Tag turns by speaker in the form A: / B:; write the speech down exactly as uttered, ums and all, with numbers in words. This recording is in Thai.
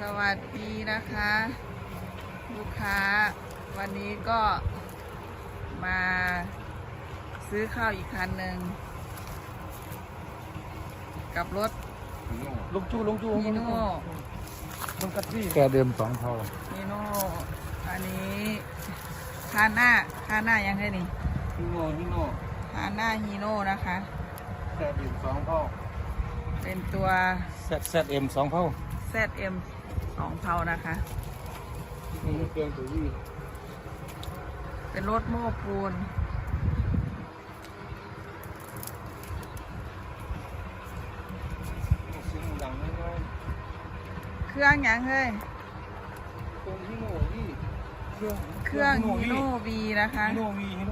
A: สวัสดีนะคะ ลูกค้าวันนี้ก็มาซื้อข้าวอีกคันหนึ่งกับรถ
B: ลุงจูลุงจู
A: ฮีโน่
B: มันกระตี้
C: แกเดิมสองเท่า
A: ฮีโน่อันนี้คาน่าคาน่ายังไงนี่
B: ฮีโน่ฮีโน่
A: คาน่าฮีโน่นะคะ
B: แค่ดื่มสองเท่า
A: เป็นตัว
B: แซดแซดเอ็มสองเท่า
A: แซด เอ็ม สองเผานะคะ
B: มันเกินตัวยี่
A: เป็นรถโม้ปูน
B: เสียงดังน้อย
A: เครื่องยังเฮ้ย
B: ๆตรงฮีโน่นี่เครื่อง
A: เครื่องฮีโน่วีนะคะ
B: ฮีโน่วีฮีโน่